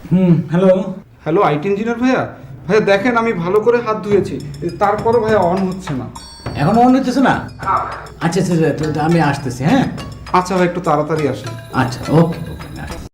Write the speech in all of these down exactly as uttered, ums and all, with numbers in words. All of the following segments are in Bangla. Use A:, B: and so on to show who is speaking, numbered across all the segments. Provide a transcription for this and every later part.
A: Hmm, hello.
B: Hello IT engineer ভাইয়া। ভাইয়া দেখেন আমি ভালো করে হাত ধুয়েছি, তারপরও ভাইয়া অন হচ্ছে না।
A: এখনো অন হইতেছে না? আচ্ছা আচ্ছা আচ্ছা, তো আমি আসতেছি। হ্যাঁ
B: আচ্ছা ভাই একটু তাড়াতাড়ি আসেন।
A: আচ্ছা, ওকে ওকে।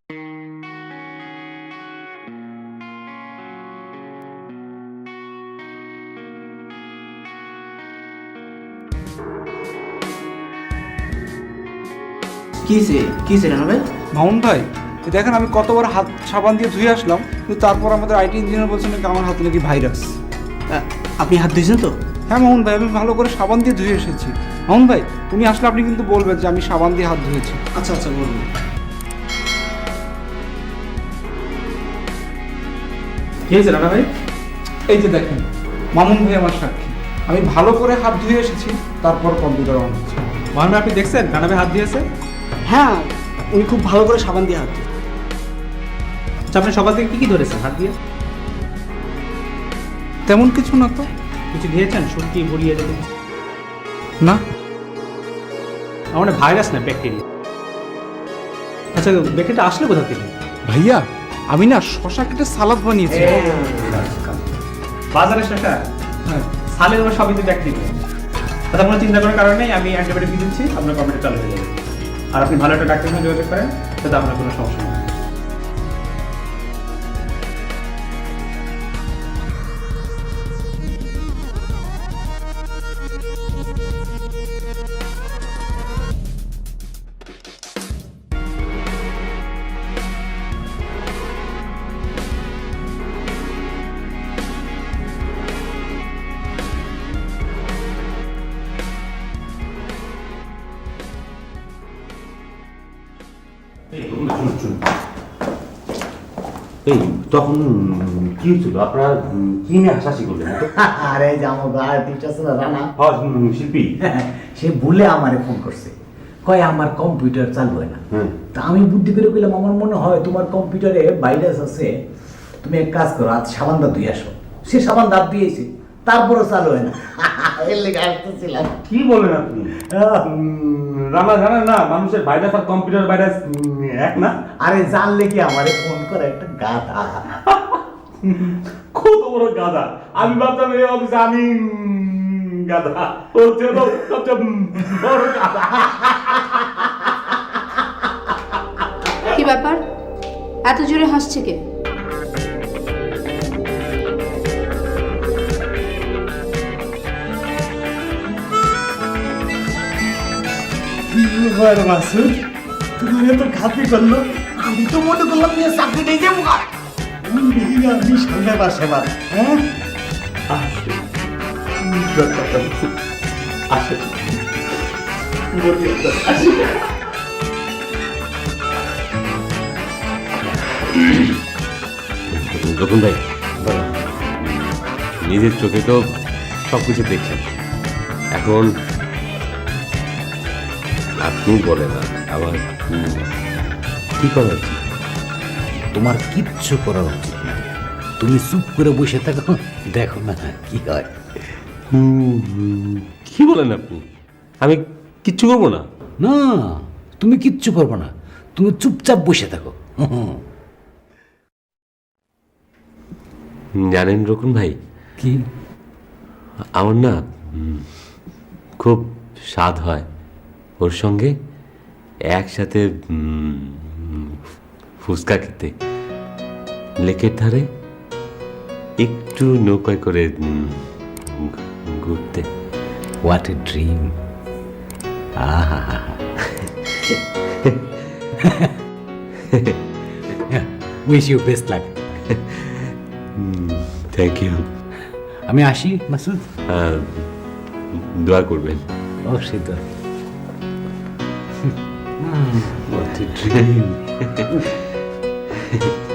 C: কিসে কিসে রানা ভাই?
B: মামুন ভাই এই দেখেন আমি কতবার হাত সাবান দিয়ে ধুয়ে আসলাম, কিন্তু তারপর আমাদের আইটি ইঞ্জিনিয়ার বলছেন নাকি আমার হাতে নাকি ভাইরাস।
C: আ- আপনি হাত ধুয়েছেন তো?
B: হ্যাঁ মামুন ভাই আমি ভালো করে সাবান দিয়ে ধুয়ে এসেছি। মামুন ভাই উনি আসলে আপনি কিন্তু বলবেন যে আমি সাবান দিয়ে হাত ধুয়েছি।
C: আচ্ছা আচ্ছা বলুন। কি হয়েছে রানা ভাই?
B: এই যে দেখেন মামুন ভাই আমার সাক্ষী, আমি ভালো করে হাত ধুয়ে এসেছি, তারপর কম্পিউটার অন হচ্ছে।
D: মহান ভাই আপনি দেখছেন রানা ভাই হাত দিয়েছে?
C: হ্যাঁ, উনি খুব ভালো করে সাবান দিয়ে হাত ধুয়ে।
D: আচ্ছা আপনি সকাল থেকে কি কি ধরেছেন হাত দিয়ে?
B: তেমন কিছু না তো।
D: কিছু দিয়েছেন সুটকি ভরিয়ে যেতে?
B: না
D: আমার ভাইরাস না ব্যাকটেরিয়া। আচ্ছা ব্যাকটেরিয়া আসলে কোথা থেকে?
B: ভাইয়া আমি না শশা কেটে সালাদ বানিয়েছি।
D: বাজারে শসা?
B: হ্যাঁ
D: সালে তোমার সবই তো ব্যাকটেরিয়া। তাতে কোনো চিন্তা করার কারণ নেই, আমি অ্যান্টিবায়োটিক দিয়ে দিচ্ছি, আপনার কম্পিউটার চালু হয়ে যাবে। আর আপনি ভালো একটা ডাক্তারের সঙ্গে যোগাযোগ করেন, যাতে আপনার কোনো সমস্যা না হয়।
E: এই তখন কি হয়েছিল আপনারা কি নিয়ে হাসাহাসি করলেন?
F: আরে যে আমার আর্টিস্ট আছে না রানা,
E: হ্যাঁ শিল্পী।
F: সে ভুলে আমারে ফোন করছে, কয় আমার কম্পিউটার চালু হয় না।
E: হুম।
F: তা আমি বুদ্ধি করে কইলাম আমার মনে হয় তোমার কম্পিউটারে ভাইরাস আছে, তুমি এক কাজ করো আজ সাবান দাঁত ধুয়ে আসো। সে সাবান দাঁত দিয়েছে, তারপরও চালু হয় না। এর লেগে আসতেছিলাম।
E: কি বলেন আপনি? উম, রানা জানেন না মানুষের ভাইরাস আর কম্পিউটার ভাইরাস উম, এক না?
F: আরে জানলে কি আমারে ফোন করে একটা গাধা।
E: কত বড় গাধা! আমি ভাবতাম এই অফিসে আমি উম, গাধা, ও যেন সবচেয়ে উম, বড় গাধা।
G: কি ব্যাপার, এত জোরে হাসছে কে?
F: মাসুদ তোমার এত খাতি করলো, আমি তো মনে করলাম নিয়ে চাকরি নিয়ে যাবো। আমি সঙ্গে বাসে বার হ্যাঁ
E: রকম ভাই নিজের চোখে তো সবকিছু দেখছেন, এখন আপনি বলেন না আমার কি করা উচিত?
A: তোমার কিচ্ছু করা উচিত না, তুমি চুপ করে বসে থাকো, দেখো না কি হয়।
E: হুম, কি বলেন আপনি? আমি কিচ্ছু করবো না?
A: না, তুমি কিচ্ছু করবে না, তুমি চুপচাপ বসে থাকো।
E: জানেন রকুন ভাই,
A: কি?
E: আমার না উম, খুব স্বাদ হয় ওর সঙ্গে একসাথে উম, ফুচকা খেতে, লেকের ধারে একটু নৌকায় করে উম, ঘুরতে।
A: What a dream! আহা, wish you best luck.
E: Thank you.
A: আমি আসি মাসুদ।
E: দোয়া করবেন।
A: অবশ্যই তো।
E: What a dream.